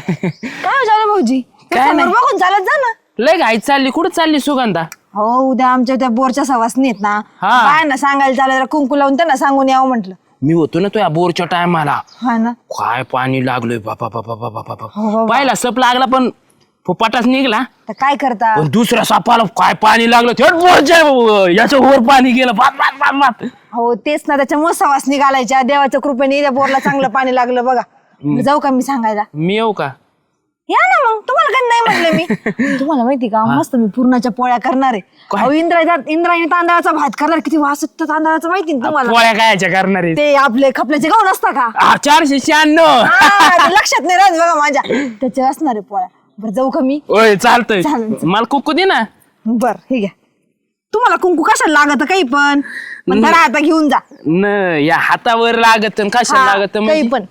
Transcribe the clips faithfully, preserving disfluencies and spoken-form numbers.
काय झालं भाऊजी काय नाही. बघून चालत जा ना. लय घाई चालली कुठं चालली सुगंधा? हो उद्या आमच्या त्या बोरच्या सवासनी आहेत ना हा. काय ना सांगायला चालत कुंकू लावून त्यांना सांगून यावं म्हटलं. मी होतो ना तुझ्या बोरच्या टायमाला हा ना काय पाणी लागलोय बापा बापा बापा हो, बापा हो. पहिला सप लागला पण फुपाटाच निघला. तर काय करता पण दुसऱ्या सापाला काय पाणी लागलं थेट बोरच्या याच्या वर पाणी गेलं बाप बाप बाप बाप. हो तेच ना त्याच्यामुळे सवासनी घालायच्या देवाच्या कृपेने त्या बोरला चांगलं पाणी लागलं बघा. जाऊ का मी सांगायला? मी येऊ का? या ना मग तुम्हाला काही नाही म्हटलं मी. तुम्हाला माहिती का मस्त मी पूर्णाच्या पोळ्या करणार आहे. काय? अहो, इंद्रायणी इंद्रायणी तांदळाचा भात करणार. किती वास येतो तांदळाचा माहिती ना तुम्हाला? पोळ्या कायच्या करणार आहे? ते आपले खपल्याचे गहू नसता का? आ, चारशे शहाण्णव हा, ते लक्षात नाही राहत बघा माझ्या. त्याचे असणार आहे पोळ्या. बरं जाऊ का मी? ओय चालतंय चालेल, चालेल. मला कुकू दे ना. बर हे घ्या. तुम्हाला कुंकू कशाला लागत काही पण पण धरा आता घेऊन जा. न या हातावर लागत न कशा हा, लागत काही म्हणजे? पण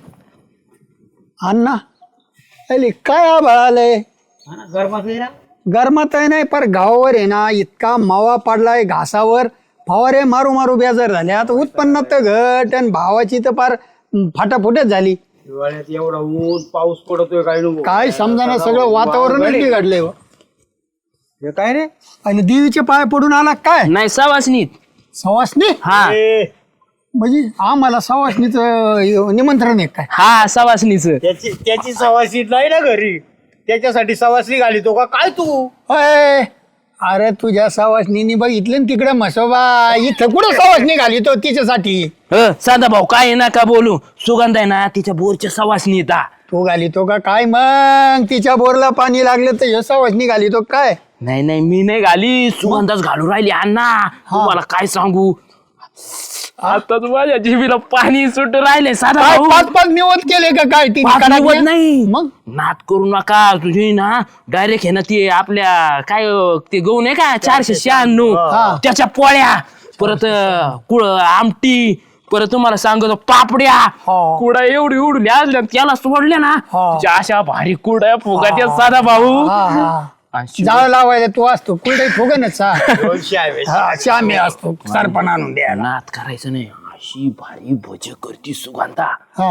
अण्णा अरे काय आभाळ आलंय गरमात आहे नाही पर गावावर आहे ना इतका मावा पडलाय घासावर फवारे मारू मारू बेजार झाले आता उत्पन्नात तर घट आणि भावाची तर फार फाटाफुटच झाली. हिवाळ्यात एवढा ऊन पाऊस पडतोय काय नको काय समजाना सगळं वातावरणच बिघडलंय हो. हे काय रे आणि देवीचे पाय पडून आला काय नाही सवासनीत. सवासनी हा म्हणजे आम्हाला सवासनीच निमंत्रण आहे काय? हा सवासनीच. त्याची त्याची सवासी नाही ना घरी त्याच्यासाठी सवासी घालितो का काय तू अय, अरे तुझ्या सवासनीनी बघितलं ना तिकडे म्हसोबा इथं कुठं सवासनी घाली तो तिच्यासाठी अ, साधा भाऊ काय नका बोलू. सुगंध आहे ना तिच्या बोरच्या सवासनी येता. तू घालितो का काय मग तिच्या बोरला पाणी लागलं तर ह्यो सवासनी घालितो काय? नाही नाही मी नाही घाली सुगंधाच घालू राहिली अण्णा. तुम्हाला काय सांगू आता माझ्या जिभेला पाणी सुट राहिले. साधा काय भाऊ पाच पाच निवत केले का काय ती पाच कडाकण्या? निवत नाही मग नाद करू नका तुझी ना डायरेक्ट हे ना ते आपल्या काय अं, ते गहू नाही का चारशे शहाण्णव त्याच्या पोळ्या परत अं, कुळ आमटी परत तुम्हाला सांगतो पापड्या हो. कुडा एवढी उडल्या असल्या त्याला सोडल्या ना हो. त्याच्या अशा भारी कुड्या फुगाच्या साधा भाऊ. हा, हा. आणि शिव- जाळ लावायला तू असतो कुठे फुगनच दोनशे आहे हा श्यामी असतो सरपण आणून द्यायला. नाद करायचं नाही अशी भारी भज करती सुगंधा. हा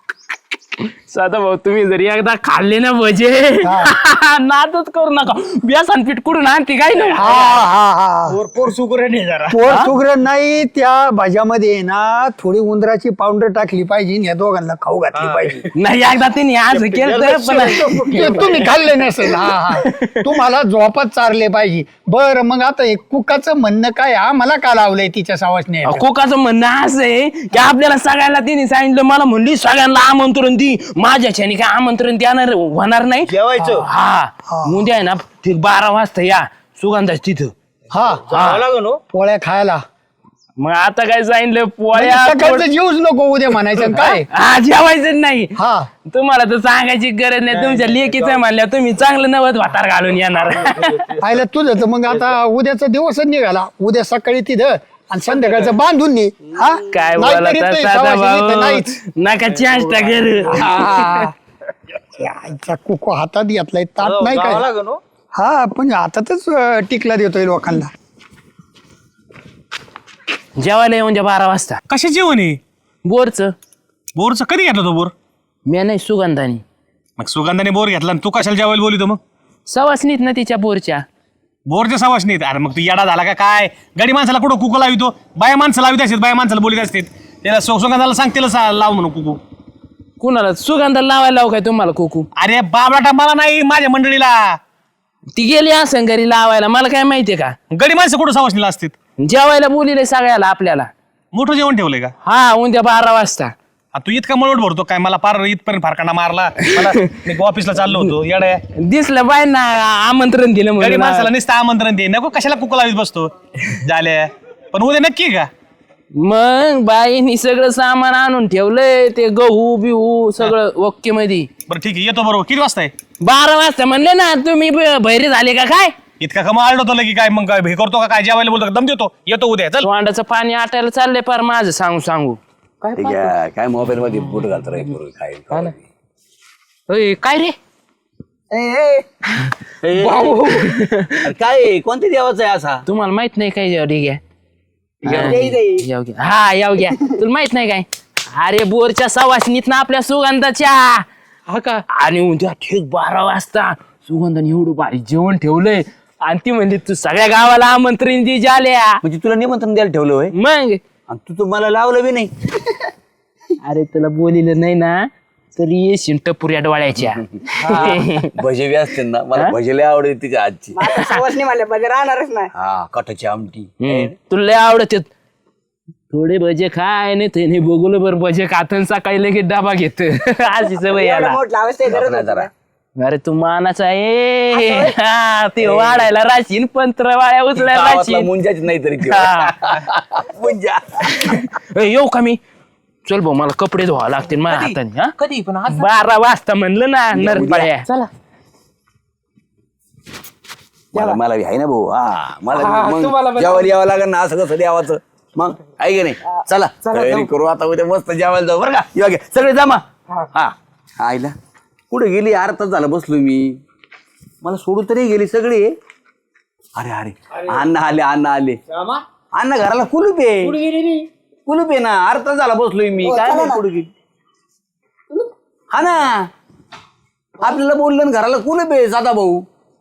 साधा भाऊ तुम्ही जरी एकदा खाल्ले ना भजे नादच करू नका. बेसन पीठ कुठून आणते काय हा नाही. हा हा पोर पोर सुकर नाही जरा पोर सुगरण नाही त्या भाज्यामध्ये आहे ना थोडी उंदराची पावडर टाकली पाहिजे आणि या दोघांना खाऊ घातली पाहिजे. नाही एकदा त्यांनी आज केलं पण ते तुम्ही खाल्ले नसेल. हा हा तुम्हाला झोपात चारले पाहिजे. बरं मग आता एक कुकाचं म्हणणं काय हा मला का लावलंय तिच्या सावासने कोकाचं म्हणणं असं आहे की आपल्याला सगळ्यांना तिने सांगितलं मला म्हणली सगळ्यांना आमंत्रण दी माझ्याच्याने काय आमंत्रण देणार होणार नाही. जेवायचं हा उद्या आहे ना ठीक बारा वाजता या सुगंधाच तिथं. हा जावं लागेल हो. पोळ्या खायला मग आता काय सांगितलं पोळ्या सकाळचं जीवच नको उद्या म्हणायचं काय. हा जेवायचं नाही. हा तुम्हाला तर सांगायची गरज नाही तुमच्या लेकीचं म्हणल्या तुम्ही चांगलं नवत वाटार घालून येणार. पाहिलं तुझं तर मग आता उद्याचा दिवसच निघाला उद्या सकाळी तिथं आणि संध्याकाळचं बांधून ने हा काय नाहीतरी बोलत ते साधा सवासनी तर भाऊ नाहीच. नका चेष्टा कर. हा. या आईचा कुको हातात घेतलाय ताट नाही जावं काय. लागेल हो. हा पण हातातच अं, टिकला देतोय लोकांना. जेवायला येऊन जा बारा वाजता कशा जेवण आहे बोरचं. बोरचं कधी घेतला तो बोर मी नाही सुगंधानी मग सुगंधाने बोर घेतला आणि तू कशाला जेवायला बोलितो मग सवासनीत ना तिच्या बोरच्या. बोरच्या सवास नाहीत. अरे मग तू येडा झाला का काय गडी माणसाला कुठं कुकू लावितो बाया माणसं लावित असतात बाया माणसाला बोलीत असतात त्याला सु- सुगंधाला सांग त्याला सा- लाव म्हणून कुकू. कुणाला सुगंधाला लावायला लावू काय तुम्हाला कुकू? अरे बाबलाटा मला नाही माझ्या मंडळीला ती गेली असं घरी लावायला मला काय माहितीये का. गडी माणसं कुठं सवासनीला असतात. जेवायला बोलिले सगळ्याला आपल्याला. मोठं जेवण ठेवलंय का हा उद्या बारा वाजता. आ, तू इतका मळवट भरतो काय मला पार इथपर्यंत फारकांना मारला मला मी ऑफिसला चाललो होतो येडा दिसलं बाय ना आमंत्रण दिलं गडी म्हणून. माणसाला नुसतं आमंत्रण दे नको कशाला कुकू लावीत बसतो झाल्या पण उद्या नक्की का. मग बाईनी सगळं सामान आणून ठेवलंय ते गहू बिहू सगळं ओके मध्ये. बरं ठीक आहे येतो बरोबर किती वाजता आहे. बारा वाजता म्हणले ना तुम्ही ब- बहिरे झाले का काय. इतका कमा आलतो की काय मग काय हे करतो का काय जेवायला बोलतो का दम देतो येतो उद्या चल. तोंडाचं पाणी आटायला चाललंय पार माझं सांगू सांगू. ठीक आहे काय मोबाईल मध्ये बोट घालतो रे पोरं, काय ओय, काय रे अरे काय कोणत्या देवाचा आहे असा. तुम्हाला माहित नाही काय ठीक आहे. याव घ्या. हा याव घ्या तुला माहित नाही काय. अरे बोरच्या सवासनीत ना आपल्या सुगंधाच्या हा का आणि उद्या ठीक बारा वाजता सुगंधाने एवढं भारी जेवण ठेवलंय आणि ती म्हणली तू सगळ्या गावाला आमंत्रण दे झाल्या म्हणजे तुला निमंत्रण द्यायला ठेवलं होय मग आणि तू तर मला लावलं बी नाही. अरे तुला बोलिलं नाही ना तरी येशील टपुऱ्या डोळ्याच्या भजे बी असते ना मला भजे लय आवडते तिच्या आजची. सवासनी म्हणले पाहिजे राहणारच नाही. हा कटाची आमटी. हम्म, तुला लय आवडत थोडे भजे खाय नाही ते बघून बर भजे खातन सकाळी लगेच डबा घेत अशी सवय याला. नाही जरा अरे तू मानाचा आहे हा, ते वाढायला राशीन पंत्र वाळ्या उचलायला गावातला राशीन मुंजाच नाही तरी ते. हा. मुंजा ए, येऊ का मी चल भाऊ मला कपडे धुवा लागतील माझ्या हाताने हा कधी पण बारा वाजता म्हणलं ना नरपाळ्या चला मला मला बी आहे ना भाऊ हा मला बी मग जेवायला यावं लागेल ना असं कसं द्यावाचं मग आहे की नाही. चला तयारी करू आता उद्या मस्त जेवायला जाऊ बरं का. येऊ घे सगळे जमा. हा आईला कुठे गेली अर्धा तास झाला बसलो मी मला सोडून तरी गेली सगळी. अरे अरे अण्णा आले अण्णा आले अण्णा घराला कुलूप आहे कुलूप आहे ना अर्धा तास झाला बसलोय मी काय नाही कुठे गेली. हा ना आपल्याला बोललं ना घराला कुलूप आहे साधा भाऊ.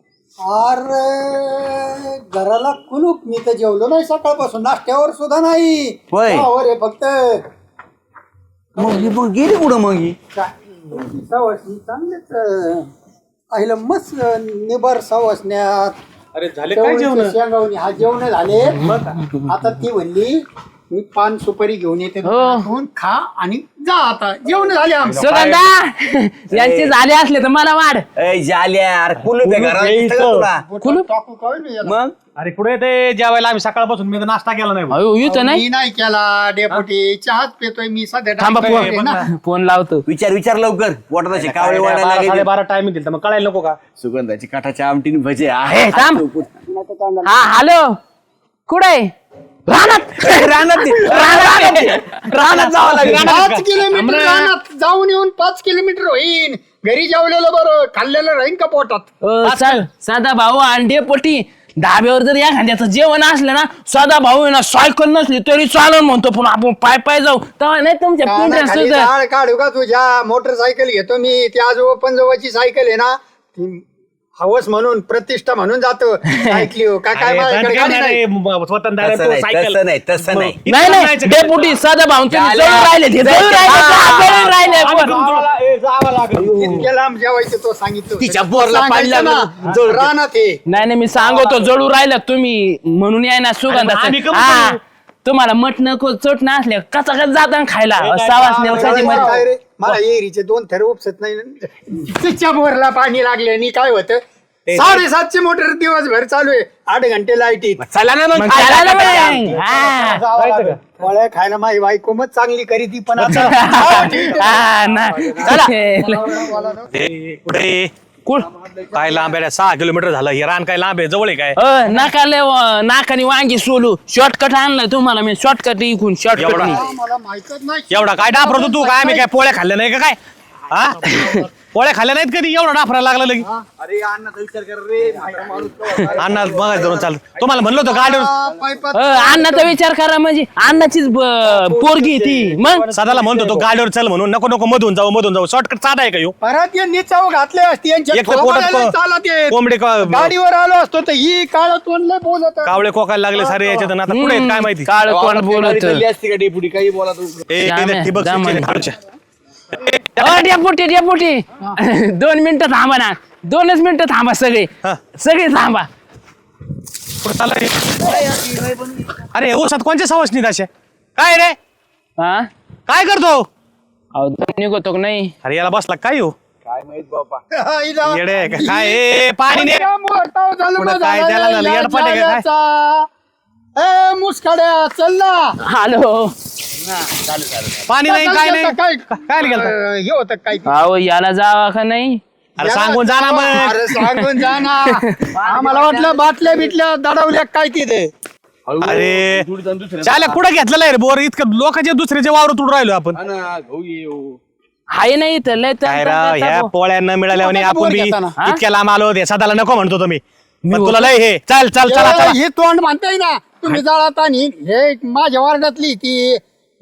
अरे घराला कुलूप मी तर जेवलो नाही सकाळपासून नाश्त्यावर सुद्धा नाही. होय. चहावर आहे फक्त. मग ही मग गेली कुठं मग ही सवासनी चांगलेच आईला मस्त निबर सवासण्यात. अरे झाले काय जेवण शेंगावणी हा जेवण झाले. आता ती म्हणली मी पान सुपारी घेऊन येते दुकानातून, खा आणि जा आता जेवण झाले आमचं. सुगंधा यांचे झाले असले तर मला वाढ ए जाल्या अरे कुलूप आहे घराला दिसतं का तुला? कुलूप टाकू काय नाही याला. मग अरे कुठे ते जेवायला आम्ही सकाळपासून मी तर नाश्ता केला नाही भाऊ. अयो येतो नाही मी नाही केला डेपुटी चहाच पेतोय मी सध्या. थांबा डायबिटीस आहे ना. फोन फोन लावतो विचार विचार लवकर पोटात असे कावळे वाढायला बारा लागले. साडेबारा टाइम दिल तर मग कळायला नको का. सुगंधाची काठाच्या आमटीने भजे हे थांब हा हॅलो कुठे रानात रानात रानात जावं लागेल. पाच किलोमीटर रानात जाऊन येऊन पाच किलोमीटर होईन. घरी जेवलेलं बरं खाल्लेलं राहीन का पोटात. अ, सा- साधा भाऊ अंडे पोटी धाब्यावर जर एखाद्याचं जेवण असलं ना साधा भाऊ आहे ना सायकल नसली तरी चालून म्हणतो पण आपण पाय पाय जाऊ तेव्हा नाही तुमच्या पिंढऱ्या खाली सुद्धा. झाड काढू का तुझ्या मोटरसायकल घेतो मी. ती आजोबा पंजोबाची सायकल आहे ना ती हवस म्हणून प्रतिष्ठा म्हणून जातो. ऐकली हो का काय अरे, माझ्याकडे दणका गाडी नाही नाही. रे, म- स्वतंत्र आहे, तसं तो नाही, सायकल. तसं नाही, तसं नाही. मग नाही इथं नाही जायचं का? डेपुटी साधा भाऊ तुम्ही चालेल. जळून राहिले ते, जळून राहिले का? जळून राहिले आम्ही पण. तुमच्या- ए, जावं लागेल. इतक्या लांब जेवायचं तो सांगितलं. तिच्या बोरला पाणी सांगायचं लागलं. ना, रानात आहे. नाही नाही मी सांगतो जळू राहिला तुम्ही म्हणून याय ना अरे, मग आम्ही सुगंधाचं कमी हा करू. तुम्हाला मटण चोट असल्या कचा कच जाता खायला काय सावासने रे, मला एरीचे दोन थर उपसत नाही. तिच्या बोरला पाणी लागले आणि काय होतं साडेसातशे मोटर दिवसभर चालू आहे. आठ घंटे लाईट येत. चला ना मग मग खायला खायला टाका. मग. हा. जावं लागेल. फळं खायला माझी बायको मग चांगली करी ती पण आता हा, ना. ए, कुठे कुळ काय लांब आहे सहा किलोमीटर झालं हे रान काय लांब आहे जवळ आहे काय. अ, नाकाले व- नाकाने वांगी सोलू शॉर्टकट आणलाय तुम्हाला मी शॉर्टकट इकून शॉर्टकट एवढा? मला माहितच नाही. एवढा काय डाफरतो तू काय आम्ही काय पोळ्या खाल्ल्या नाही का काय हा पोळ्या खाल्ल्या नाहीत कधी एवढा डाफरायला लागला लगी. अरे अण्णाचा विचार कर रे. अण्णा बघा धरून चाल तुम्हाला म्हणलं होतं गाडीवर आ, पायपात- अण्णाचा विचार करा म्हणजे अण्णाचीच ब- पोरगी आहे ती मग सदाला म्हणतो तो गाडीवर चल म्हणून नको नको मधून जाऊ मधून जाऊ शॉर्टकट साधा आहे का ह्यो? परत यांनी चव घातले असते यांच्या एक तर पोटात थोबाडाला को- चालत येत. कोंबडी को- गाडीवर आलो असतो तर ही काळ तोंडले बोलत. कावळे कोकायला लागले सारे याच्यात आणि आता पुढे आहेत काय माहिती. काळ कोण बोलत चालली असती का डेपुटी काही बोला तू. ए, जाम ते आहे, ठिबक जाम सिंचन आहे. खालच्या. डेपुटी डेपुटी दोन मिनिटं थांबा ना दोनच मिनिटं थांबा सगळे हा. सगळे थांबा. कुठं चाललंय? अरे ओसात कोणच्या सवासनीत अशा काय रे हा काय करतो अहो दम निघतो का नाही अरे याला बसला काय हो काय माहित बाबा. हिला- येडे आहे का? काय ए, पाणी नाही त्या मोठा झालं पुढं मग काय झालं त्याला झालं? या येडपाट आहे का काय? जाल्याचा. ए मुसकाड्या चल ना. हॅलो पाणी नाही काय नाही काय काय गेलं अं, हे होतं काय अहो याला जावा का नाही अरे सांगून जा ना मग अरे सांगून जा ना. आम्हाला वाटलं बाटल्या बिटल्या दडवल्या काय तिथे. अरे चाल्या कुठं घेतलेला आहे रे बोर इतकं लोकांच्या दुसऱ्याच्या वावर तुडून राहिलो आपण हा ना, गहू ये हो. हाय नाही इथं लय तर- काय राव ह्या पोळ्या न मिळाल्या आणि आपण बी घेताना. इतक्या लांब आलो होते सदाला नको म्हणतो तुम्ही पण तुला लय हे चल चल चला ए, चला हे तोंड म्हणताय ना तुम्ही जाळात आणि हे माझ्या वार्डातली ती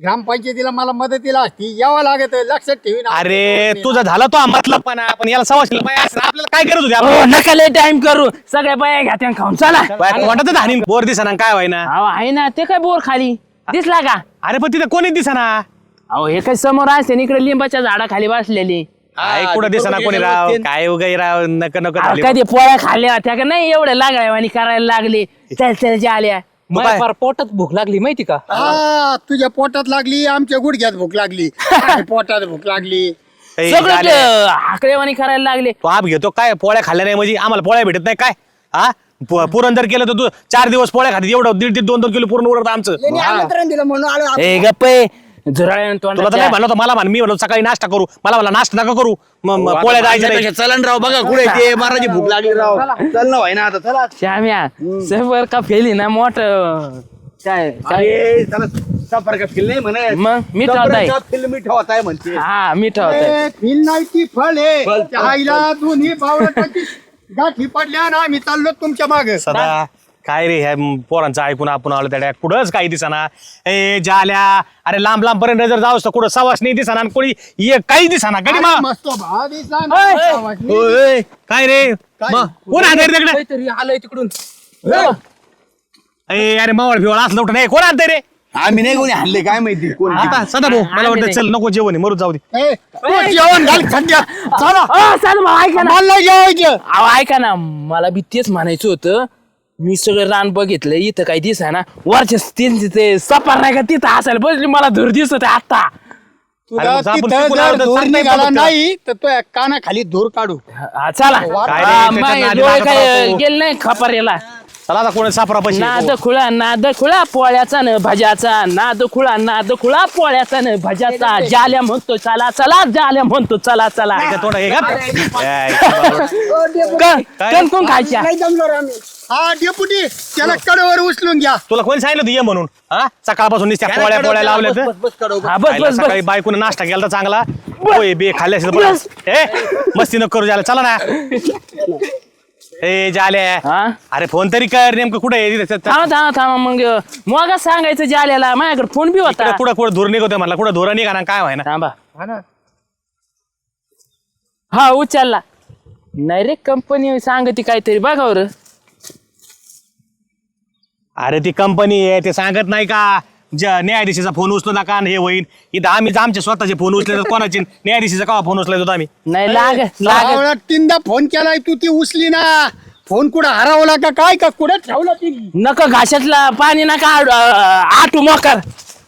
ग्रामपंचायतीला मला मदतीला असती यावं लागत लक्षात ठेवीन. अरे तुझा झाला तो मतलब पण आपण याला सवाशीला बाया असं आपल्याला काय करत होती हो आपण? नका लय टाइम करू सगळ्या बाया घ्या त्या खाऊन चला बाया वाटत हानी बोर दिसा काय व्हायना. अहो आहे ना ते काय बोर खाली दिसला का? अरे पण तिथे कोणी दिसाना. अहो हे काय समोर असते इकडे लिंबाच्या झाडाखाली बसलेली. काय कुठं दिसाना कोणी राव काय उगाई राव नक नक अहो, झाली. कधी पोळ्या खाल्ल्या होत्या का नाही एवढ्या लागल्या आणि करायला लागले चल चल जे आल्या मग काय? फार पोटात भूक लागली माहिती का? हा तुझ्या पोटात लागली आमच्या गुडघ्यात भूक लागली काय पोटात भूक लागली. ए, सगळं झाल्या. ते हाकलेवाणी करायला लागले. तो आप घेतो काय पोळ्या खाल्ल्या नाही म्हणजे आम्हाला पोळ्या भेटत नाही काय हा पु- पुरण जर केलं तर तू चार दिवस पोळ्या खाती एवढं दीड दीड दोन दोन किलो पुरण उरत आमचं. त्यांनी आमंत्रण दिलं म्हणून आलो आपण. ए गप्पे झुराळ्यानं तुला तर नाही तोंडाच्या. म्हणलं होतं मला म्हण मी म्हणलो सकाळी नाश्ता करू मला मला नाश्ता नका करू मग मग पोळ्या जायच्या नाही. चलन राव बघा कुठे ते महाराजी भूक लागली राव चल ना व्हाय ना आता चला. श्याम्या सफर का फेली ना मोठ काय काय- अरे चला सफर का फिल्म नाही म्हणत मग मी ठेवताय फिल्म ठेवत आहे म्हणते. हा मी ठेवताय ए, फिल नाही ती फळ आहे फळ, त्या आईला दोन्ही बावळटाची गाठी पडल्या ना आम्ही चाललो तुमच्या मागे. सदा काय रे ह्या पोरांचं ऐकून आपण आलो त्या कुठंच काही दिसाना. ए जाल्या अरे लांब लांब पर्यंत जर जाऊस तर कुठं सवास नाही दिसाना आणि कोणी ये काही दिसाना गडी मा मस्त भाव दिसला ना. आवाज नाही. ओय, काय रे मग कोण आणतंय रे तिकडे? काहीतरी आलंय तिकडून. ए अरे मावळ भिवळ असलं उठं नाही कोण आणतंय रे? आम्ही नाही कोणी हल्ले काय माहिती कोण आता सदा भाऊ मला वाटतं चल नको जेवण आहे, मरू जाऊ दे. ए, तू जेवण घाल खड्ड्यात. चला. अ, साधू भाऊ, ऐका ना मला नाही जेवायचं. अहो ऐका ना मला बी तेच म्हणायचं होतं. मी सगळं रान बघितलं इथं काही दिसा ना वरच्या त्यांचे ते सपार नाही का तिथं असायला बसली मला धूर दिसत आहे आता. अरे तुला मग आपण तिथं तिकडून जर आलो तर धूर सांगता येतं निघाला फक्त. नाही तर तो कानाखाली धूर काढू. हा, चला काय रे, हा, त्याच्यात माय नादी डोळे लागत काय राहतो. गेले नाही खपारेला. चला आता कोणी सापरा पैसे नाद खुळा नाद खुळा पोळ्याचा न भज्याचा नाद खुळा नाद खुळा पोळ्याचा न भज्याचा जाल्या म्हणतो चला चला जाल्या म्हणतो चला चला थोडं हे घाल. ए, कण कोण खायच्या नाही जमलो रे आम्ही. हा डेपुटी त्याला कडेवर उचलून घ्या. तुला कोणी सांगितलं होतं ये म्हणून हा सकाळपासून नुसत्या पोळ्या पोळ्या लावल्या तर हा बस खायला बस सकाळी बस बायकोने नाश्ता केला तर चांगला होय बे खाल्ले असेल तर बरं. ए मस्ती नको करू झालं चला ना. ए जाले हा अरे फोन तरी कर नेमकं कुठे आहे तिथे थांबा थांबा थांबा मग मग सांगायचं जाल्याला माझ्याकडे फोन बी होता. कुठं कुठं धूर निघतोय म्हणला कुठं धुरा निघा ना काय व्हाय ना. थांबा हा उचलला नाही रे कंपनी सांगते काहीतरी बघा बरं. अरे ती कंपनी आहे ते सांगत नाही का ज न्यायाधीशाचा फोन उचलू नका आणि हे होईल इथं आम्ही आमचे स्वतःचे फोन उचले तर कोणाचे न्यायाधीशाचा का फोन उचलायचो आम्ही. नाही लाग लाग आवळा तीनदा फोन केलाय तू ती उचली ना. फोन कुठं हरवला का काय का कुठं ठेवला ती. नका घाशातला पाणी नका आड- आटू मोकर.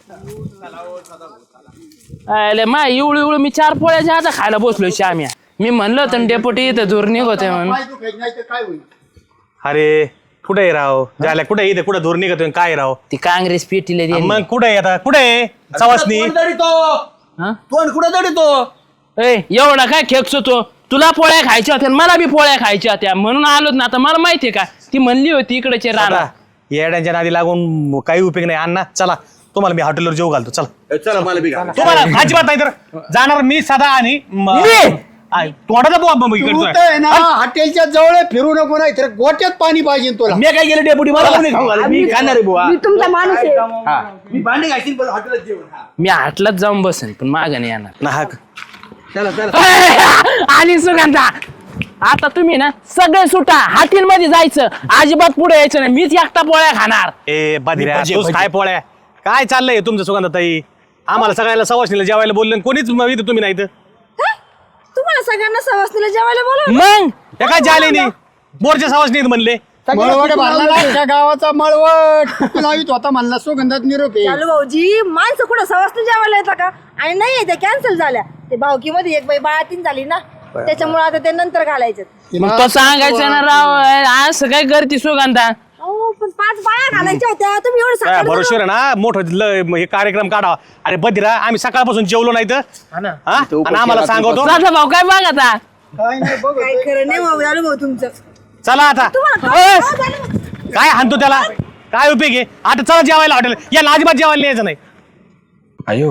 अरे माय इवळू इवळू मी चार पोळ्याच्या आता खायला बसलो श्याम्या. मी म्हणलं होतं डेपोटी इथं दूर निघतोय म्हणून. पाय दुखायचं नाही तर काय होईल. अरे कुठे आहे राव झाल्या कुठे इथे कुठं धूर निघतोय काय राव. ती काँग्रेस पेटीला दे मग कुठे आहे आता कुठे आहे सवासनी. हा? तोंड कुठं तरी तो ए एवढा काय खेकसो तो तुला पोळ्या खायच्या होत्या आणि मला बी पोळ्या खायच्या होत्या म्हणून आलोच ना. आता मला माहितीये का ती म्हणली होती इकडचे राणा. आता येड्यांच्या नादी लागून काही उपयोग नाही अण्णा चला तुम्हाला मी हॉटेलवर जेव घालतो चला. चला मला बी घाला. तुम्हाला अजिबात नाही तर जाणार मी सदा आणि म- मी? आय, तोंडाचा बुवा बंब तू इकडचा. तर आहे ना हॉटेलच्या जवळ फिरू नको नाही तर गोट्यात पाणी पाहिजे तुला. मी काय केलं डेपुटी मला कोणी खाऊ घाला मी खाणार आहे बुवा. मी तुमचा माणूस आहे. हा. मी भांडे घालतील पण हॉटेलात जेवण हा. मी हाटलाच जाऊन बसेन पण माग नाही येणार. नाहक. चला चला आणि सुगंधा आता तुम्ही ना सगळे सुटा हाटील मध्ये जायचं अजिबात पुढे यायचं नाही. मीच एकटा पोळ्या खाणार. ए बाधिऱ्या भजे, तूच भजे. काय पोळ्या काय चाललंय तुमचं सुगंधाताई आम्हाला सगळ्याला सवासनीला जेवायला बोललं आणि कोणीच म- इथं तुम्ही नाही इथं. तुम्हाला सगळ्यांना सवासनीला जेवायला बोला. मग त्या काय झाले नाही बोरच्या सवासनीत म्हणले. मळवट भरला ना त्या गावाचा मळवट तू लावित होता म्हणला सुगंधात निरोप आहे. चालू भाऊजी माणसं कुठं सवासनी जेवायला येतात का? आणि नाही त्या कॅन्सल झाल्या. ते भावकीमध्ये एक बाई बाळातीन झाली ना त्याच्यामुळे आता ते नंतर घालायचे. मग तो सांगायचं ना राव असं काय करते सुगंधा. अहो पण पाच बाया घालायच्या होत्या तुम्ही एवढं काय सकाळी भरोश्यावर आहे ना मोठं ल- हे कार्यक्रम काढा. अरे बधिरा आम्ही सकाळपासून जेवलो नाही तर हा? आणि आम्हाला सांगतो राजा भाऊ काय बघ आता. काय नाही बघ काय खरं नाही भाऊ चालू भाऊ तुमचं. चला आता तुम्हाला ए, काय- काय झालं? काय हाणतो त्याला काय उपयोग आहे आता चला जेवायला हॉटेल याला अजिबात जेवायला न्यायचं नाही. अयो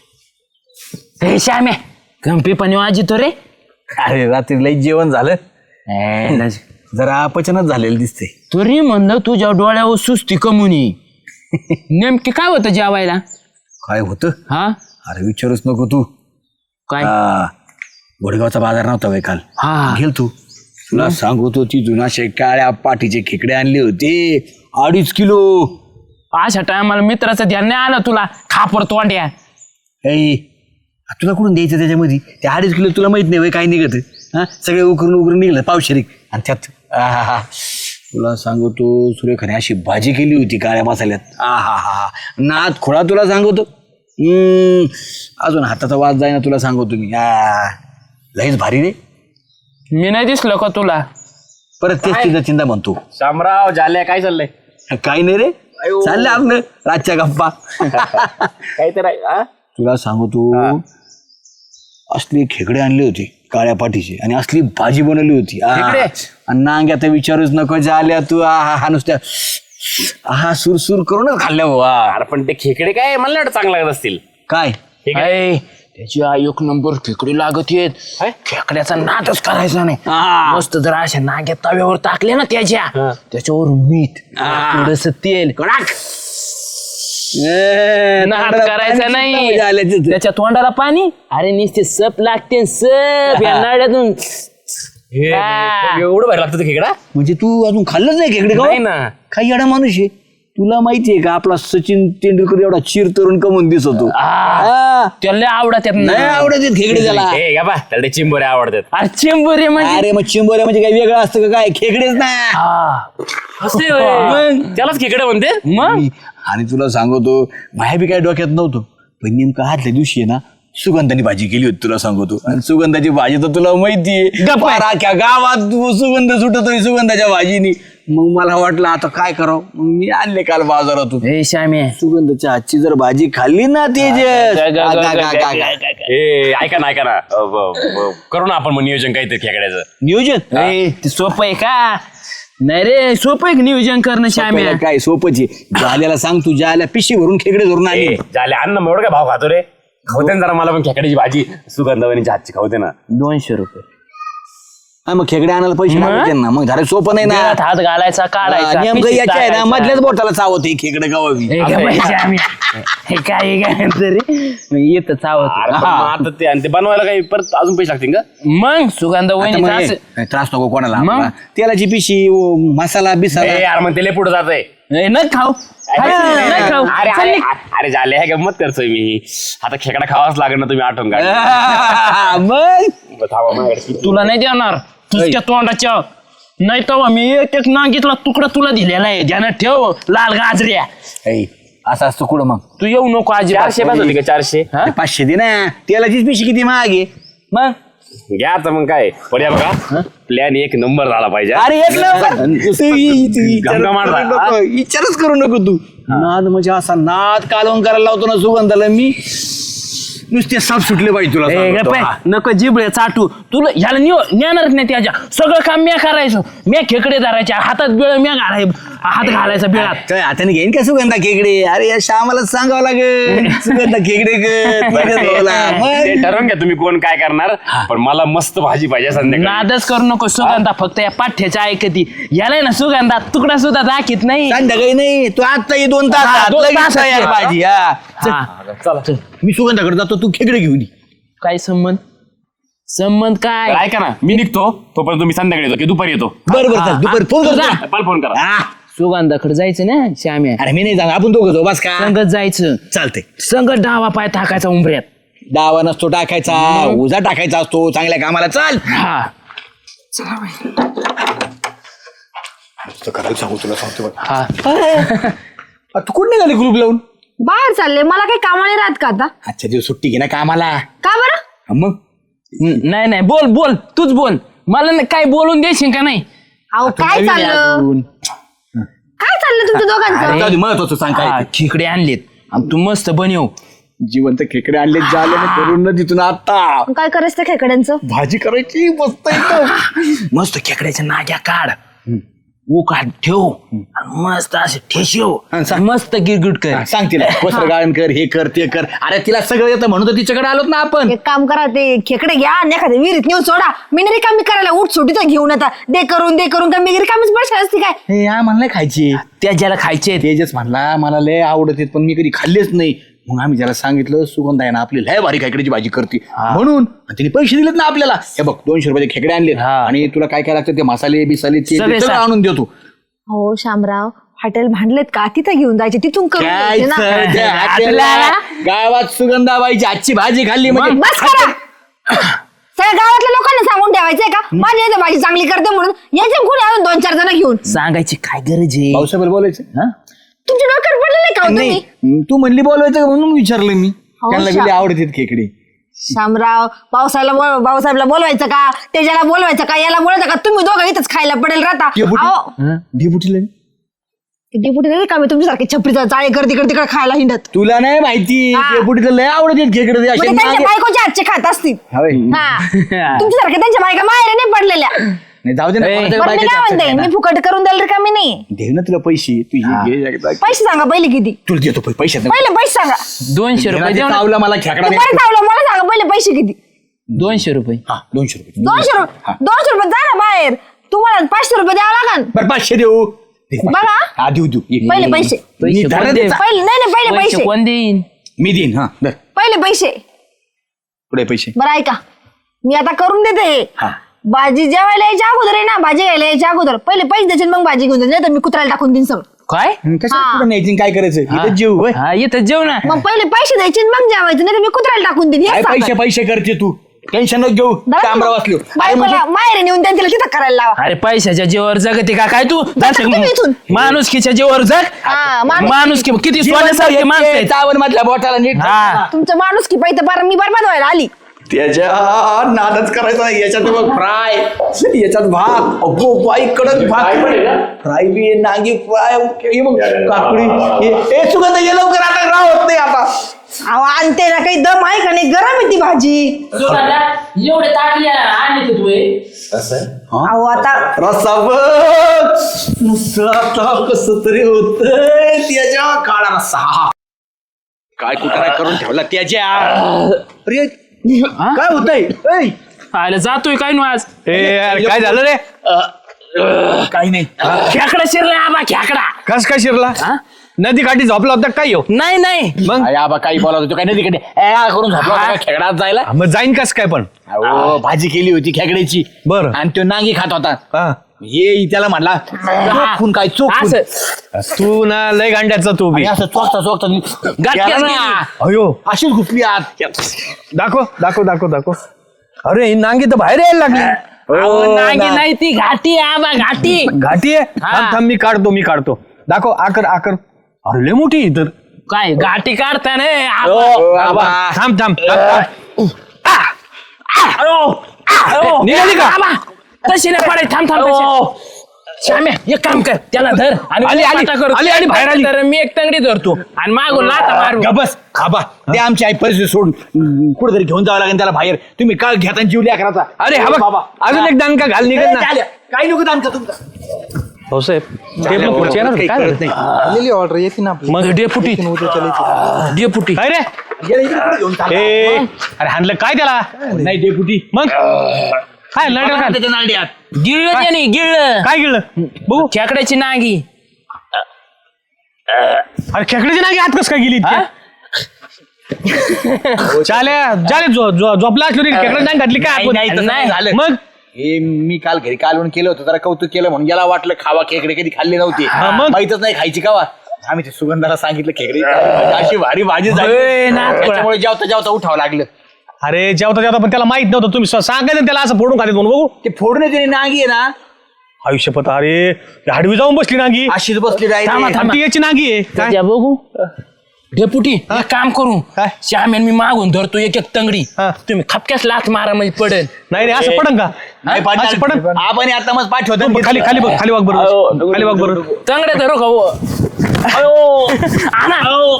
हे श्याम्या गंपी पण वाजितो रे. अरे रात्री लई जेवण झालं जरा अपचनच झालेलं दिसते. तरी म्हणलं तुझ्या डोळ्यावर सुस्ती कमुनी. नेमके काय होतं जेवायला. काय होतं हा अरे विचारूच नको तू काय हा, वडगावचा बाजार नव्हता बाई काल हा गेल तू तुला सांगतो ती जुनाशे काळ्या पाठीचे खेकडे आणले होते अडीच किलो अशा टायमाला मित्राचं ध्यान नाही आलं तुला खापर तोंड्या ऐ तुला कुठून द्यायचं त्याच्यामध्ये ते अडीच किलो तुला माहित नाही बाई काय निघत हा सगळे उकरून उकरून निघलं पावशेरीक आणि त्यात आहा तुला सांगतो सुरेखाने अशी भाजी केली होती काळ्या मसाल्यात आ हा हा हा नाद खोळा तुला सांगतो हम्म अजून हाताचा वाज जाईना तुला सांगतो मी आ लईच भारी रे मी नाही दिसलो का तुला परत तेच चिंता चिंता म्हणतो शामराव झाल्या काय चाललंय काही नाही रे चाललंय आपलं रातच्या गप्पा काय तर आहे तुला सांगतो असली खेकडे आणले होते काळ्या पाठीचे आणि असली भाजी बनवली होती आहा. आणि नांग्या तर विचारूच नको झाल्या तू आहा हा नुसत्या हा सुरसुर करूनच खाल्ल्या हो अरे पण ते खेकडे काय मला वाटतं चांगलं लागत असतील काय ऐ, त्याची आई एक नंबर खेकडी लागत येत खेकड्याचा नादच करायचा नाही मस्त जर अशा नाग्या तव्यावर टाकले ना त्याच्या त्याच्यावर मीठ थोडस तेल कडाक नाद करायचा नाही त्याच्या तोंडाला पाणी अरे नुसते सप लागते सप या नाड्यातून हा. एवढं भारी लागतं ते खेकडा म्हणजे तू अजून खाल्लंच नाही खेकडे नाही का ना काही एवढा माणूस आहे तुला माहितीये का आपला सचिन तेंडुलकर एवढा चिर तरुण कमून दिसतो आ, त्याला लय आवडत नाही आवडत आहेत खेकडे त्याला ए गा बा त्याला ते चिंबोरे आवडतात अरे चिंबोरे म्हणजे अरे मग चिंबोऱ्या म्हणजे काय वेगळं असतं का काय खेकडेच ना असे होय. त्यालाच खेकडे म्हणते मग आणि तुला सांगतो बाहेर बी काय डोक्यात नव्हतं पण नेमकं आदल्या दिवशी आहे ना सुगंधाची भाजी केली होती तुला सांगतो आणि सुगंधाची भाजी तर तुला माहितीये राख्या गावात तू सुगंध सुटतोय सुगंधाच्या भाजीनी मग मला वाटलं आता काय करावं मग मी आणले काल बाजारातून ए श्यामे सुगंधाच्या हातची जर भाजी खाल्ली ना तेजस गा- गा- गा- गा- गा. ए ऐका ना ऐका ना अ, ब- ब- करू ना आपण मग नियोजन काहीतरी खेकड्याचं नियोजन ए, ते सोपं आहे का नाही रे सोपं आहे का नियोजन करणं श्यामे आपल्याला काय सोपच आहे जाल्याला सांग तू जाल्या पिशी भरून खेकडे धरून आली ए, झाले अन्न मग एवढं काय भाव खातो रे खावते ना जरा मला पण खेकड्याची भाजी सुगंधवणीच्या हातची खावते ना दोनशे रुपये हा, मग खेकडे आणायला पैसे लागते ना मग झालं सोपं नाही ना बिळात हात घालायचा काढायचा नेमकं पिशवीत याच्या आहे ना टाकायचा. मधल्याच बोटाला चावत हे खेकडे गावावी ए, गं बाई श्यामे. हे काय काय तरी येत चावत अरे पण मग आता ते आणि ते बनवायला काही परत अजून पैसे लागतील का मग सुगंध आता मग वहिनीचा हे, असं- त्रास नको कोणाला मग? आपला. तेलाची पिशी ओ, मसाला बिसाला ए यार मग ते लय पुढे जात आहे ए, न खाऊ न खाऊ अरे चल अरे निघ. अरे झाले हे गंमत करतोय मी आता खेकडा खावाच लागेल ना तुम्ही आठवण काढ मग थांबा माझ्याकडे. तुला नाही देणार तुझ्या तोंडाच्या नाही तेव्हा मी एक एक नांगीतला तुकडा तुला दिलेला आहे ध्यानात ठेव लाल गाजऱ्या ऐ, असं असतं कुठं मग तू येऊ नको आजी चारशे पाच होती का चारशे हा? ते पाचशे दे ना तेलाचीच पिशी किती महाग आहे मग घ्या आता मग काय पर्या बघा प्लॅन एक नंबर झाला पाहिजे अरे एक नंबर. तू इ- तू विचारच गंगा करू मारला. नको, विचारच करू नको तू नाद म्हणजे असा नाद कालवून करायला लावतो ना सुगंधाला मी नुसते साप सुटले पाहिजे तुला ए, सांगतो. गप्प आहे. हा. नको जिबळे चाटू तुला ह्याला निव नेणारच नाही त्याच्या सगळं काम म्या करायचं म्या खेकडे धरायच्या हातात बिळ म्या घालाय हात घालायचा बिळात काय हाताने घेईन का सुगंधा खेकडे अरे या श्यामाला सांगावं लागेल सुगंधा खेकडे कर बघत भाऊला. ते मग? ठरवून घ्या तुम्ही कोण काय करणार पण मला मस्त भाजी पाहिजे संध्याकाळी नादच करू नको सुगंधा फक्त या पाठ्याच्या ऐकती याला ना सुगंधा तुकडा सुद्धा दाखीत नाही संध्याकाळी नाही तू आता ये दोन तास हा, आत दोन लगेच तास तयार आहे. भाजी हा चल. हा. चला चल मी सुगंधाकडे जातो तू खेकडे घेऊन ये. काय संबंध संबंध काय ऐका ना मी निघतो तोपर्यंत तुम्ही संध्याकाळी येतो की दुपारी येतो बरं बरं चल दुपारी फोन तू करतो जा. तुला. मला फोन करा हा. सुगंधाकडे जायचं ना श्याम्या अरे मी नाही जाणार आपण दोघं जाऊ बस का संगत जायचं चालतंय संगत डावा पाय टाकायचा उंबऱ्यात डावा नसतो टाकायचा उजा टाकायचा असतो चांगल्या कामाला चाल हा करायला सांगू तुला सांगतो बघ. हा आ, तू कुठे निघाली ग्रुप लावून बाहेर चालले मला काही कामाने राहत का आता आजच्या दिवस सुट्टी घे ना कामाला का बरं हा, मग न- नाही नाही बोल बोल तूच बोल मला न- काय बोलून देशील का नाही अहो काय चाललं काय चाललं तुमच्या दोघांचं जाऊ दे, महत्वाचं सांग हा, काय ते. खेकडे आणलेत आणि तू मस्त बनव जिवंत खेकडे आणले झाले ना करून ना तिथून आता काय करायचं त्या खेकड्यांचं भाजी करायची मस्त एकदम मस्त खेकड्याच्या नाग्या काढ उकाड ठेव आणि मस्त असे ठेशिव आणि सांग. मस्त गिरगिट कर हा, सांग तिला वस्त्र गाळण कर हे कर ते कर अरे तिला सगळं येतं म्हणून तर तिच्याकडे आलोत ना आपण एक काम करा ते खेकडे घ्या आणि एखाद्या विहिरीत नेऊन सोडा मी नाही रिकामी करायला उठ सुटी तर घेऊन आता दे करून दे करून का मी रिकामीच बसली असती काय हे या म्हणलं खायची त्या ज्याला खायचे तेजस म्हणला मला लय आवडत आहेत, पण मी कधी खाल्लेच नाही मग आम्ही त्याला सांगितलं सुगंध आहे ना आपली लय भारी खेकड्याची भाजी करते म्हणून आणि तिने पैसे दिलेत ना आपल्याला हे बघ दोनशे रुपयाचे खेकडे आणले हा. आणि तुला काय काय लागतं ते मसाले बिसाले ते सगळे ते सगळं सा- आणून देतो हो शामराव हॉटेल भांडलेत का तिथं घेऊन जायचे तिथून करून काय द्यायचे ना. सर, त्या हॉटेलला गावात सुगंधाबाईची आजची भाजी खाल्ली म्हणजे बस करा सगळ्या गावातल्या लोकांना सांगून ठेवायचंय का माझी इथं भाजी चांगली करते म्हणून यायचे कोणी अजून दोन चार जण घेऊन सांगायची काय गरज आहे पावसाबद्दल बोलायचं हा? तुमच्या डोक्यात पडलेलं का हो तुम्ही नाही तू म्हणली बोलवायचं का म्हणून विचारलं मी त्यांना शा- गेले आवडतात खेकडे शामराव पावसाला बोल- भाऊसाहेबला बोलवायचं का तेजाला बोलवायचं का याला बोलायचं का तुम्ही दोघं इथंच खायला पडेल राहता अहो, डेपुटीला डेपुटी नाही का मी तुमच्यासारखे छपरीचा जाळे करते तिकडे तिकडे खायला हिंडत तुला नाही माहिती हा. डेपुटीला लय आवडतात खेकडे ते असे म्हणजे त्यांच्या नागे- बायकोच्या हातचे खात असतील होय. हा तुमच्यासारख्या त्यांच्या बायका माहेर नाही पडलेल्या नाही जाऊ दे ना ए, कोणाच्या बरं मी बायकोच्या काय हातचं म्हणते काय ना. मी फुकट करून द्याल का मी नाही दे ना तुला पैसे तू हे घे एकदा. पैसे सांगा पहिले किती तुला देतो पै- पैसे पहिले पैसे सांगा दोनशे रुपये देऊ ना. चावला मला खेकडा ते नाही. बरं चावलं मला सांगा पहिले पैसे किती दोनशे रुपये हा दोनशे रुपये दोनशे रुपये दोनशे रुपये जा ना बाहेर तुम्हाला पाचशे रुपये द्यावं लागन बरं पाचशे देऊ दे पाचशे. बघा. हा देऊ देऊ ये. पहिले पैसे मी पैसे धरा कोण दे. देईल? पहिले नाही नाही पहिले पैसे पैसे कोण देईन मी देईन हा धर. पहिले पैसे पुढे पैसे बरं ऐका मी आता करून देते हे. हा. भाजी जेवायला यायच्या अगोदर आहे ना भाजी घ्यायला यायच्या अगोदर पहिले पैसे द्यायचे मग भाजी घेऊन जायचे नाही तर मी कुत्र्याला टाकून देईन सगळं काय कशाला पुढे न्यायची काय करायचं इथं जेव होय. हा येतं जेव ना मग पहिले पैसे द्यायचे आणि मग जेवायचं नाही तर मी कुत्र्याला टाकून देईन काय हेच पैसे सांगतात. पैसे करते तू टेन्शन नको घेऊ कामरा वाचलो अरे म्हणजे बायकोला माहेर नेऊन त्यांच्याला तिथं करायला लावा अरे पैशाच्या जीवावर जगते का काय तू तुम्ही इथून. माणुसकीच्या जीवावर जग हा, माणुस- माणूस किती सोन्यासारखे माणसं आहेत. चावण मधल्या बोटाला नीट हा तुमचं माणूस की पाहिजे बरं मी बरबाद व्हायला आली त्याच्या नादच करायचा नाही याच्यात बघ फ्राय याच्यात भात अगो बाई कडक भात फ्राय बी आहे, नांगी फ्राय हे बघ काकडी हे- हे सुगंध ये लवकर आता राहत नाही आता अहो आणते ना काही दम आहे का नाही गरम आहे ती भाजी एवढे ताटले आणले तू अहो आता रस्सा बघ नुसतं आता कस तरी होत त्याच्या काळा रस्सा काय कुठं करून ठेवला त्याच्या अरे काय होतंय ऐ, आयला जातोय काय नु आज ए यार, काय झालं रे काही नाही खेकडा शिरला आबा खेकडा कस काय शिरला हा? नदी काठी झोपला होता काय हो नाही नाही मग अरे आबा काही बोलत होतो काय नाही तिकडे ए, आ करून झोपला होता का खेकडात जायला मग जाईन कस काय पण अहो भाजी केली होती खेकड्याची बरं. आणि तो नांगी खात होता हा. ये त्याला म्हणला चोखून काय चोखून असं तू ना लय गांड्याचा तू बी आणि असं चोखता चोखता गाठ गेला केली. ना. अयो अशीच घुसली आत दाखव दाखव दाखव दाखव अरे ही नांगी तर बाहेर यायला लागली अहो, नागी नाही ती घाटी आहे आबा घाटी घाटी आहे हा. थांब थांब, मी काढतो मी काढतो दाखव आकर आकर अरे लय मोठी आहे तर काय घाटी काढता ना ओ, आबा. थांब थांब थांब, थांब. निघाली का? तशी नाही पडाय थांब थांब तशी. श्याम्या एक काम कर त्याला धर आणि आली, आली, पाटा कर. आली, आली, बाहेर आली. तर मी एक तंगडी धरतो आणि मागून लाथा मारू गबस खाबा ते आमची आई परिस्थिती सोडून कुठेतरी घेऊन जावं लागेल त्याला बाहेर तुम्ही काय घेता जीव करायचा अरे हा बघ अजून एक दानका घाल निघत ना काही नको दानका तुमचा हो साहेब ते पण पुढचे येणार होते, काय झालं? आलेली ऑर्डर येते ना आपली मग डेपुटी डेपुटी काय रे घेऊन चाला. ए, अरे हाणलं काय त्याला नाही डेपुटी मग काय लढलं काय त्याच्या नांड्यात गिळलं त्याने गिळलं काय गिळलं बघू खेकड्याची नागी अरे खेकड्याची नागी आत कस काय गेली हा? चाल्या चाले झोपला असलो रे खेकड्याची नाग घातली काय नाही, नाही, आपण? तसं नाही झालं. मग हे मी काल घरी कालवण केलं होतं जरा कौतुक केलं म्हणून याला वाटलं खावा खेकडे कधी खाल्ले नव्हते हा, मग? माहितच नाही खायची कावा आम्ही ते सुगंधाला सांगितलं खेकडे अशी भारी भाजी झाली ओय, नाथ पळा. त्याच्यामुळे जेवता जेवता उठावं लागलं अरे जेवता जेवता पण त्याला माहित नव्हतं तुम्ही सांगायचं ना त्याला असं फोडून खाते म्हणून बघू ते फोडण्याची नांगी आहे ना आयुष्यपत अरे हाडवी जाऊन बसली नागी अशीच बसली थांबा, राहिली थांबा. ती याची नागी आहे काय त्या बघू डेपुटी एक काम करू काय? श्यामेन मी मागून धरतो एक एक तंगडी हा. तुम्ही खपक्यास लाथ मारा म्हणजे पडेल नाही रे असं पडन का नाही असं पडन पडणार आपण आता मग पाठवतो खाली खाली बघ खाली वाग बरोबर खाली वाग बरोबर तंगडे धरू का हो? अयो आणा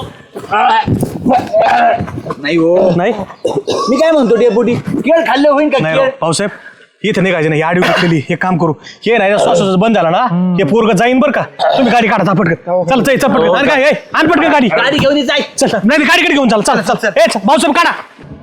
नाही हो नाही मी काय म्हणतो डेपुटी केळ खाल्लं होईल का नाही केळ राव, भाऊसाहेब इथं निघायचं नाही आडवी घेतलेली हे काम करू हे नाही श्वासाचं बंद झाला ना हे पोरग जाईन बरं का तुम्ही गाडी काढा पटकन चल चल पटकन आणि काय ए, आण पटकन गाडी गाडी घेऊन ये, जाय चल नाही नाही, गाडीकडे घेऊन चाल चल चल ए चल, भाऊसाहेब काढा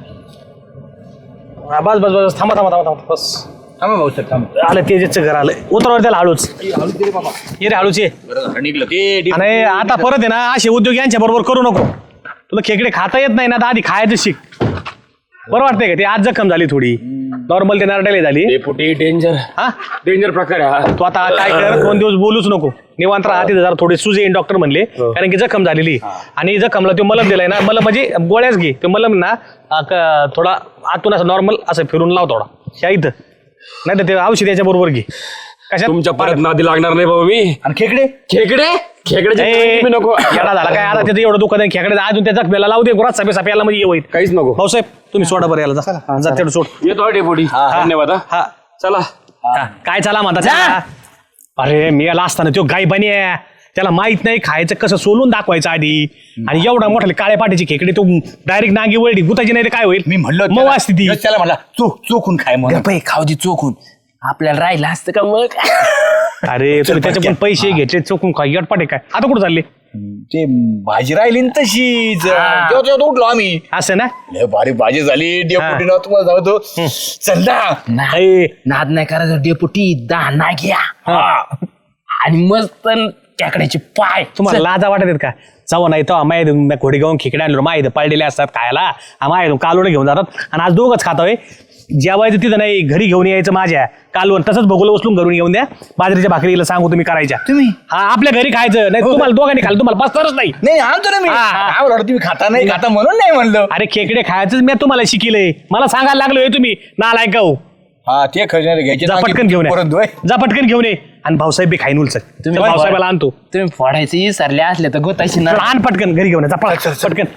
हा, बस बस बस थांबा थांबा थांबा थांबा बस थांबा भाऊ सर थांबा आलं तेजचं घर आलं उतरवर त्याला हळूच ये रे हळूच ये बरं झालं, निघलं ते आणि आता परत आहे ना असे उद्योग यांच्या बरोबर करू नको तुला खेकडे खाता येत नाही ना तर आधी खायचं शिक. बरं वाटतंय का ते? आज जखम झाली थोडी, नॉर्मल ते नरड्याला झाली. डेपुटी डेंजर हा डेंजर प्रकार आहे हा. तू आता काय कर, दोन दिवस बोलूच नको, निवांत राहा तिथे जरा थोडे सुजे येईन डॉक्टर म्हणले, कारण की जखम झालेली. आणि जखमला तो मलम दिलाय ना, मलम म्हणजे गोळ्याच घे, ते मलम ना आ, क- थोडा आतून असं नॉर्मल असं फिरून लाव थोडा या इथं, नाही तर ते औषध याच्या बरोबर घे. कशा तुमच्या परत नादी लागणार नाही बाबा मी. आणि खेकडे खेकडे खेकडे नको. येडा झाला काय आता, त्याचं एवढं दुखत आहे खेकडे, अजून त्या जखमेला लावू दे गुरात सभे सभे याला म्हणजे होईल. काहीच नको. भाऊसाहेब तुम्ही सोडा बरं याला, जा जा तेवढं सोड. येतो डेपुटी, धन्यवाद हा. हा चला. हा, काय चाला म्हणता त्याला? अरे मी याला असताना तो गाय बनी आहे, त्याला माहित नाही खायचं कसं, सोलून दाखवायचं आधी. आणि एवढा मोठा काळ्या पाठीची खेकडे तो डायरेक्ट नांगी वळली गुताची नाही तर काय होईल? मी म्हणलो मग त्याला- वाजते ती. त्याला म्हणला चोख चोखून खाय म्हणून. गप्प आहे, खाऊ दे चोखून, आपल्याला राहिलं असतं का मग. अरे तुम्ही त्याचे पण पैसे घेतले चोकून काय गटपाटे काय? आता कुठं चालले? ते भाजी राहिली ना तशीच, तेव्हा तेव्हा उठलो आम्ही. असं ना? लय भारी भाजी झाली डेपुटीनं, तुम्हाला सांगतो. चल ना. नाही नाद नाही करायचं डेपुटी, दाना घ्या आणि मस्त त्याकड्याचे पाय. तुम्हाला लाजा वाटत आहेत का? जाऊ नाही तर माय घोडी घेऊन खेकडे आणलो, माय पडलेले असतात खायला, माय कालवडे घेऊन जातात आणि आज दोघंच खातोय. जेवायचं तिथं नाही, घरी घेऊन यायचं माझ्या कालवण, तसंच भगोलं उचलून घरून घेऊन द्या. बाजरीच्या भाकरीला सांगू तुम्ही करायच्या. तुम्ही हा आपल्या घरी खायचं नाही, तुम्हाला दोघांनी खाल्लं तुम्हाला बसणारच नाही. नाही आणतो ना मी. हा, हा. काय बोलणार, तुम्ही खाता नाही खाता म्हणून नाही म्हणलं. अरे खेकडे खायचंच मी तुम्हाला शिकिलंय, मला सांगायला लागलोय तुम्ही नालायक गाऊ. हा ते खजिने घ्यायचे जा ना, पटकन घेऊन ये, परत होय. जा पटकन घेऊन ये. आणि भाऊसाहेब बी खाईन उलचक, तुम्ही भाऊसाहेबाला आणतो. तुम्ही फोडायचे विसरले असले तर गोताशी ना. आण पटकन घरी घेऊन ये, जा पळ, पटकन.